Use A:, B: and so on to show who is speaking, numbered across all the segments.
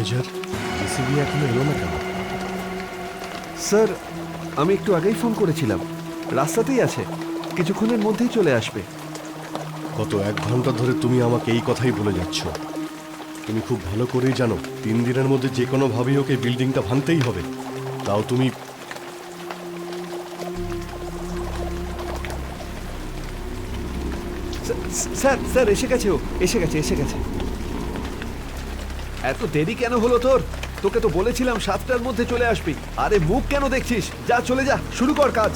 A: Manager, JCB এখনো এলো না কেন?
B: স্যার, আমি একটু আগেই ফোন করেছিলাম, রাস্তাতেই আছে, কিছুক্ষণের মধ্যেই চলে আসবে।
A: গত 1 ঘন্টা ধরে তুমি আমাকে এই কথাই বলে যাচ্ছ। তুমি খুব ভালো করেই জানো 3 দিনের মধ্যে যে কোনোভাবেই ওকে বিল্ডিংটা ভাঙতেই হবে। তাও তুমি
B: স্যার স্যার এসে গেছে, ও এসে গেছে। এত দেরি কেন হলো তোর? তোকে তো বলেছিলাম 7টার মধ্যে চলে আসবি। আরে মুখ কেন দেখছিস? যা চলে যা, শুরু কর কাজ।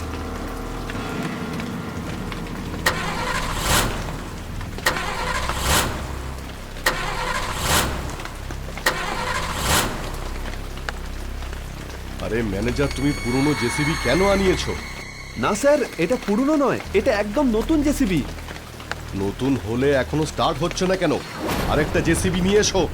A: আরে ম্যানেজার, তুমি পুরনো জেসিবি কেন আনিয়েছো?
B: না স্যার, এটা পুরনো নয়, এটা একদম নতুন জেসিবি।
A: নতুন হলে এখনো স্টার্ট হচ্ছে না কেন? আরেকটা জেসিবি নিয়ে এসো।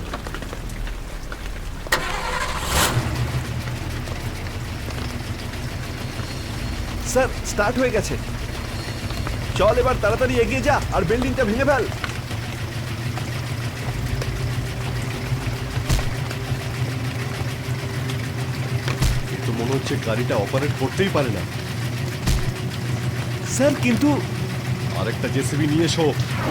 B: স্যার, স্টার্ট হয়ে গেছে। চল এবার তাড়াতাড়ি এগিয়ে যা আর বিল্ডিংটা ভেঙে ফেল।
A: এ তো মনে হচ্ছে গাড়িটা অপারেট করতেই পারে না।
B: স্যার কিন্তু
A: আরেকটা জেসিবি নিয়ে এসো।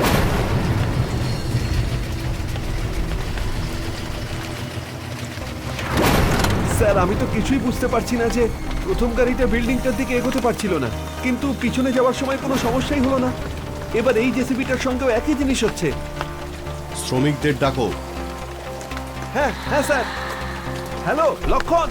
B: স্যার, আমি তো কিছুই বুঝতে পারছি না যে প্রথম গাড়িটা বিল্ডিংটার দিকে এগোতে পারছিল না, কিন্তু পিছনে যাওয়ার সময় কোনো সমস্যাই হলো না। এবার এই জেসিবিটার সঙ্গেও একই জিনিস হচ্ছে।
A: শ্রমিকদের ডাকো।
B: হ্যাঁ হ্যাঁ স্যার। হ্যালো লক্ষণ।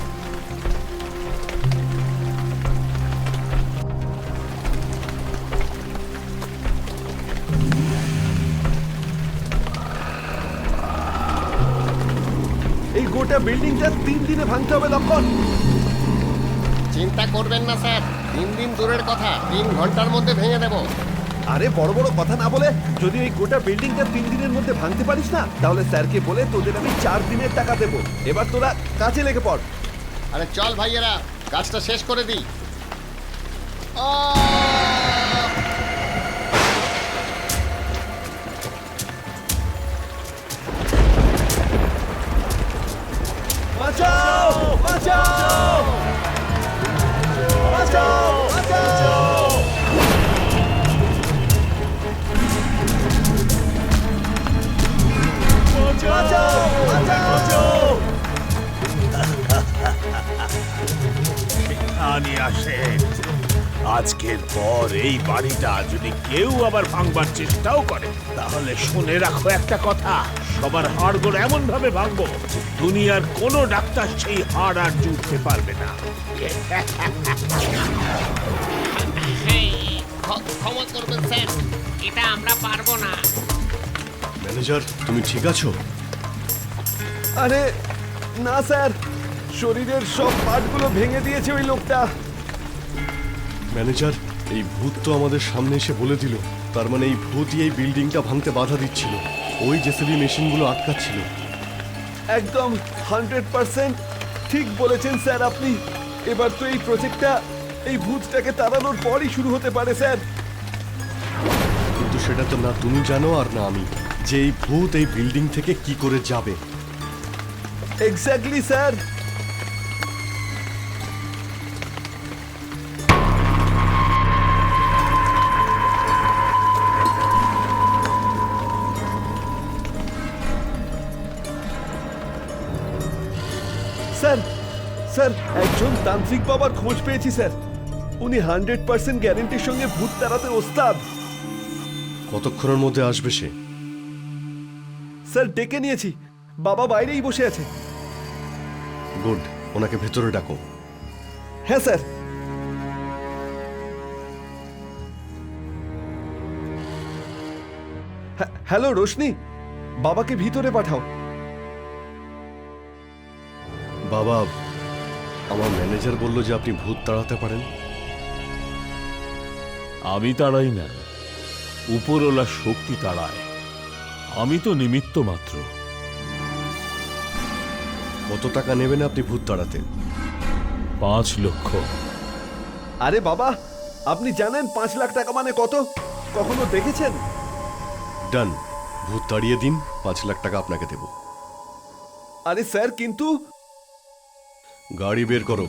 B: এই গোটা বিল্ডিংটা 3 দিনে ভাঙতে হবে লক্ষণ।
C: চিন্তা করবেন না স্যার, 3 দিন দূরের কথা, 3 ঘন্টার মধ্যে ভেঙে দেব।
B: আরে বড় বড় কথা না বলে, যদি এই গোটা বিল্ডিংটা 3 দিনের মধ্যে ভাঙতে পারিস না, তাহলে স্যারকে বলে তোদের আমি 4 দিনের টাকা দেবো। এবার তোরা কাজে লেগে পড়।
C: আরে চল ভাইয়েরা, কাজটা শেষ করে দিই।
B: বাঁচাও বাঁচাও বাঁচাও বাঁচাও। বাঁচাও বাঁচাও।
D: আনি আসে, আজকের পর এই বাড়িটা যদি কেউ আবার ভাঙবার চেষ্টাও করে, তাহলে শুনে রাখো একটা কথা, সবার হাড়গোড় এমন ভাবে ভাঙবো, দুনিয়ার কোনো ডাক্তার সেই হাড় আর জুড়তে পারবে না।
C: ক্ষমা করবেন স্যার, এটা আমরা পারবো না।
A: ম্যানেজার, তুমি ঠিক আছো?
B: আরে না স্যার, শরীরের সব পার্টগুলো ভেঙে দিয়েছে ওই লোকটা।
A: ম্যানেজার, এই ভূত তো আমাদের সামনে এসে বলে দিল, তার মানে এই ভূতই এই বিল্ডিংটা ভাঙতে বাধা দিচ্ছিল, ওই জেসিবি মেশিনগুলো আটকাচ্ছিল।
B: একদম 100% ঠিক বলেছেন স্যার আপনি। এবার তো এই প্রজেক্টটা এই ভূতটাকে তাড়ানোর পরই শুরু হতে পারে স্যার।
A: কিন্তু সেটা তো না তুমি জানো আর না আমি, যে এই ভূত এই বিল্ডিং থেকে কি করে যাবে।
B: Exactly sir. স্যার স্যার, একজন তান্ত্রিক বাবার খোঁজ পেয়েছি স্যার। উনি 100% গ্যারেন্টির সঙ্গে ভূত তাড়াতে ওস্তাদ।
A: কতক্ষণের মধ্যে আসবে সে?
B: স্যার ডেকে নিয়েছি, বাবা বাইরেই বসে আছে।
A: গুড, ওনাকে ভেতরে ডাকো।
B: হ্যাঁ স্যার। হ্যালো রোশনি, বাবাকে ভিতরে পাঠাও।
A: বাবা, আমার ম্যানেজার বলল যে আপনি ভূত তাড়াতে পারেন।
D: আমি তাড়াই না, উপরওয়ালা শক্তি তাড়ায়, আমি তো নিমিত্ত মাত্র।
A: কত টাকা নেবেন আপনি ভূত তাড়াতে?
D: 5 লক্ষ।
B: আরে বাবা, আপনি জানেন 5 লাখ টাকা মানে কত? কখনো দেখেছেন?
A: ডান, ভূত তাড়িয়ে দিন, 5 লাখ টাকা আপনাকে দেব।
B: আরে স্যার, কিন্তু
A: গাড়ি বের করো।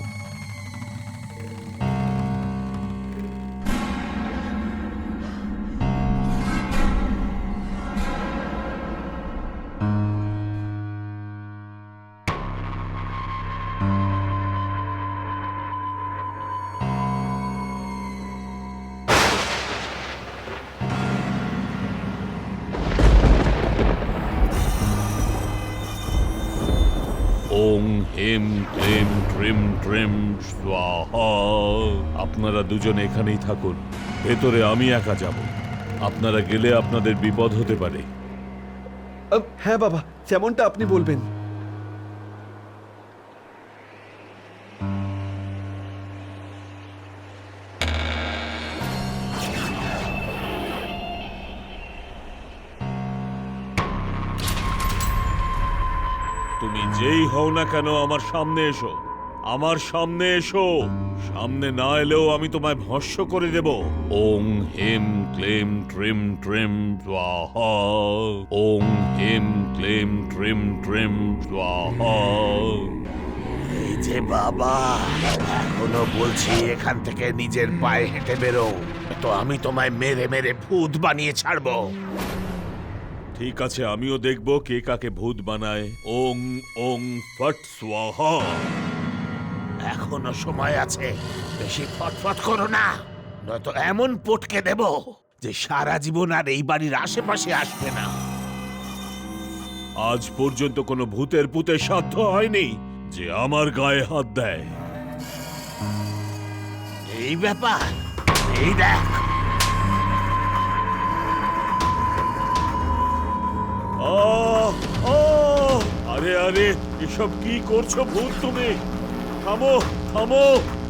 D: ওং হেম ক্লেম ট্রিম ট্রিম স্বাহা। আপনারা দুজন এখানেই থাকুন, ভেতরে আমি একা যাব। আপনারা গেলে আপনাদের বিপদ হতে পারে।
B: হ্যাঁ বাবা, যেমনটা আপনি বলবেন।
D: তুমি যেই হও না কেন আমার সামনে এসো, আমার সামনে এসো। সামনে না এলেও আমি তোমায় ভস্ম করে দেব। ওং হেম ক্লেম ট্রিম ট্রিম স্বাহা। ওং হেম ক্লেম ট্রিম ট্রিম স্বাহা।
E: এই যে বাবা, এখনো বলছি এখান থেকে নিজের পায়ে হেঁটে বেরো, তো আমি তোমায় মেরে মেরে ভূত বানিয়ে ছাড়বো।
D: ঠিক আছে, আমিও দেখব কে কাকে ভূত বানায়। ওং ওং ফট স্বাহা।
E: এখনো সময় আছে, বেশি ফটফট করো না, নয়তো এমন পটকে দেব যে সারা জীবন আর এই বাড়ির আশেপাশে আসবে না।
D: আজ পর্যন্ত কোনো ভূতের পুতের সাধ্য হয়নি যে আমার গায়ে হাত দেয়।
E: এই ব্যাপার, এই দেখ।
D: আহ! আহ! আরে আরে, এসব কি করছো ভূত তুমি? থামো থামো।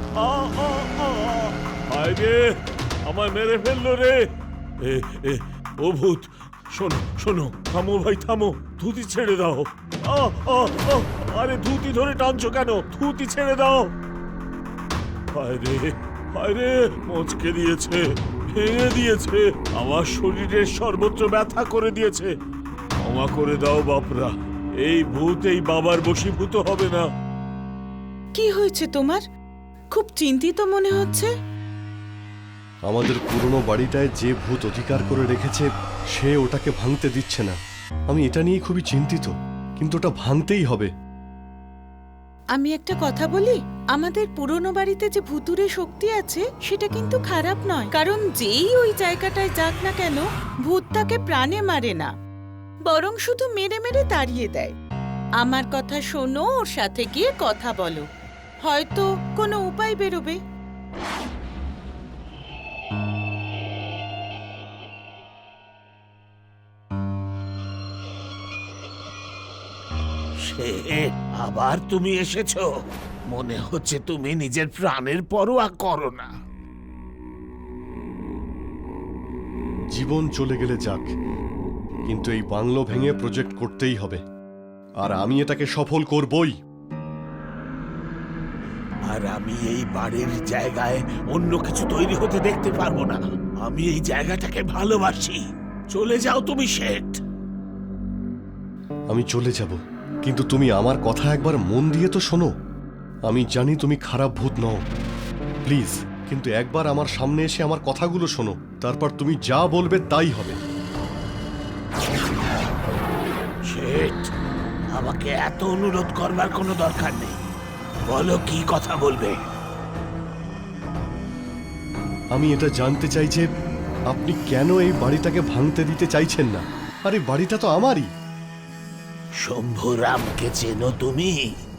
D: হায় রে, আমায় মেরে ফেললো রে। এ এ ও ভূত, শোনো শোনো, থামো ভাই থামো, ধুতি ছেড়ে দাও। আরে ধুতি ধরে টানছো কেন? ধুতি ছেড়ে দাও। হায় রে, মচকে দিয়েছে, ভেঙে দিয়েছে, আমার শরীরের সর্বত্র ব্যথা করে দিয়েছে। ক্ষমা করে দাও বাপরা, এই ভূত এই বাবার বশীভূত হবে না।
F: কি হয়েছে তোমার? খুব চিন্তিত মনে হচ্ছে।
A: আমাদের পুরনো বাড়িটায় যে ভূত অধিকার করে রেখেছে সে ওটাকে ভাঙতে দিচ্ছে না। আমি এটা নিয়ে খুবই চিন্তিত, কিন্তু ওটা ভাঙতেই হবে।
F: আমি একটা কথা বলি, আমাদের পুরনো বাড়িতে যে ভুতুরে শক্তি আছে সেটা কিন্তু খারাপ নয়, কারণ যেই ওই জায়গাটায় যাক না কেন ভূত তাকে প্রাণে মারে না, বরং শুধু মেরে মেরে তাড়িয়ে দেয়। আমার কথা শোনো, ওর সাথে গিয়ে কথা বলো, হয়তো কোনো উপায় বেরোবে।
E: সে আবার তুমি এসেছো? মনে হচ্ছে তুমি নিজের প্রাণের পরোয়া করো না।
A: জীবন চলে গেলে যাক, কিন্তু এই বাংলো ভেঙে প্রজেক্ট করতেই হবে, আর আমি এটাকে সফল করবই।
E: আর আমি এই বাড়ির জায়গায় অন্য কিছু তৈরি হতে দেখতে পারবো না। আমি এই জায়গাটাকে ভালোবাসি। চলে যাও তুমি শেঠ।
A: আমি চলে যাব, কিন্তু তুমি আমার কথা একবার মন দিয়ে তো শোনো। আমি জানি তুমি খারাপ ভূত নও, প্লিজ, কিন্তু একবার আমার সামনে এসে আমার কথাগুলো শোনো, তারপর তুমি যা বলবে তাই হবে।
E: শেঠ, আমাকে এত অনুরোধ করবার কোনো দরকার নেই। বলো কি কথা বলবে।
A: আমি এটা জানতে চাই যে আপনি কেন এই বাড়িটাকে ভাঙতে দিতে চাইছেন না। আরে বাড়িটা তো আমারই।
E: শম্ভুরামকে চেনো তুমি?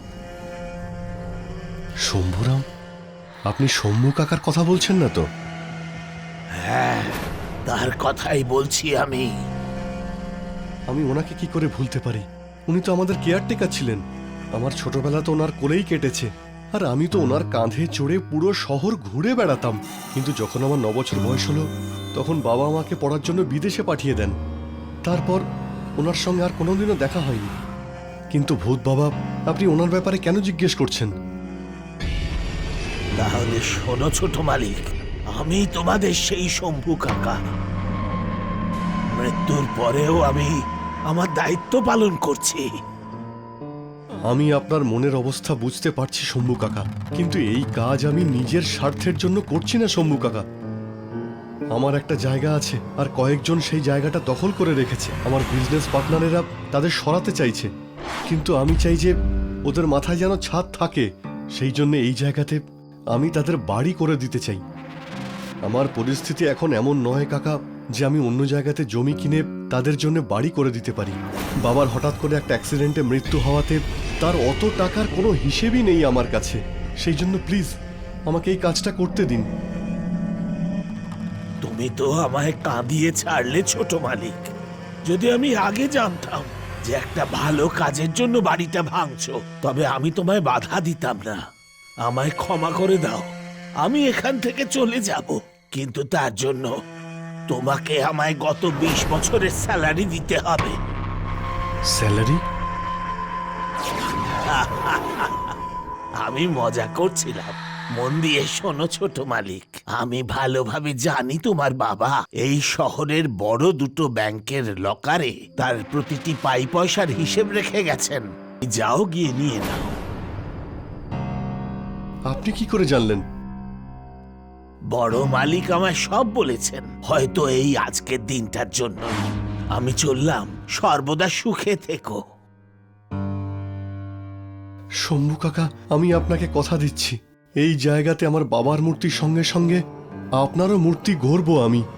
A: শম্ভুরাম? আপনি শম্ভু কাকার কথা বলছেন না তো?
E: হ্যাঁ, তার কথাই বলছি আমি।
A: আমি ওনাকে কি করে ভুলতে পারি? উনি তো আমাদের কেয়ারটেকার ছিলেন। আমার ছোটবেলা তো ওনার কোলেই কেটেছে, আর আমি তো ওনার কাঁধে চড়ে পুরো শহর ঘুরে বেড়াতাম। কিন্তু যখন আমার 9 বছর বয়স হলো, তখন বাবা আমাকে পড়ার জন্য বিদেশে পাঠিয়ে দেন। তারপর ওনার সঙ্গে আর কোনোদিনও দেখা হয়নি। কিন্তু ভূত বাবা, আপনি ওনার ব্যাপারে কেন জিজ্ঞেস করছেন?
E: তাহলে শোনো ছোট মালিক, আমি তোমাদের সেই শম্ভু কাকা। মৃত্যুর পরেও আমি আমার দায়িত্ব পালন করছি।
A: আমি আপনার মনের অবস্থা বুঝতে পারছি শম্ভু কাকা, কিন্তু এই কাজ আমি নিজের স্বার্থের জন্য করছি না শম্ভু কাকা। আমার একটা জায়গা আছে, আর কয়েকজন সেই জায়গাটা দখল করে রেখেছে। আমার বিজনেস পার্টনারেরা তাদের সরাতে চাইছে, কিন্তু আমি চাই যে ওদের মাথায় যেন ছাদ থাকে। সেই জন্য এই জায়গাতে আমি তাদের বাড়ি করে দিতে চাই। আমার পরিস্থিতি এখন এমন নয় কাকা যে আমি অন্য জায়গাতে জমি কিনে তাদের জন্য বাড়ি করে দিতে পারি। বাবার হঠাৎ করে একটা অ্যাক্সিডেন্টে মৃত্যু হওয়াতে তার অত টাকার কোনো হিসেবই নেই আমার কাছে। সেই জন্য প্লিজ আমাকে এই কাজটা করতে দিন।
E: তুমি তো আমায় কাঁদিয়ে ছাড়লে ছোট মালিক। যদি আমি আগে জানতাম যে একটা ভালো কাজের জন্য বাড়িটা ভাঙছো, তবে আমি তোমায় বাধা দিতাম না। আমায় ক্ষমা করে দাও, আমি এখান থেকে চলে যাব। কিন্তু তার জন্য তোমাকে আমায় গত 20 বছরের স্যালারি দিতে হবে।
A: স্যালারি?
E: আমি মজা করছিলাম। মন দিয়ে শোনো ছোট মালিক, আমি ভালোভাবে জানি তোমার বাবা এই শহরের বড় দুটো ব্যাংকের লকারে তার প্রতিটি পাই পয়সার হিসেব রেখে গেছেন। যাও গিয়ে নিয়ে নাও।
A: আপনি কি করে জানলেন?
E: বড় মালিক আমায় সব বলেছেন। হয়তো এই আজকের দিনটার জন্য আমি চললাম। সর্বদা সুখে থেকো।
A: শম্ভু কাকা, আমি আপনাকে কথা দিচ্ছি, এই জায়গাতে আমার বাবার মূর্তির সঙ্গে সঙ্গে আপনারও মূর্তি গড়ব আমি।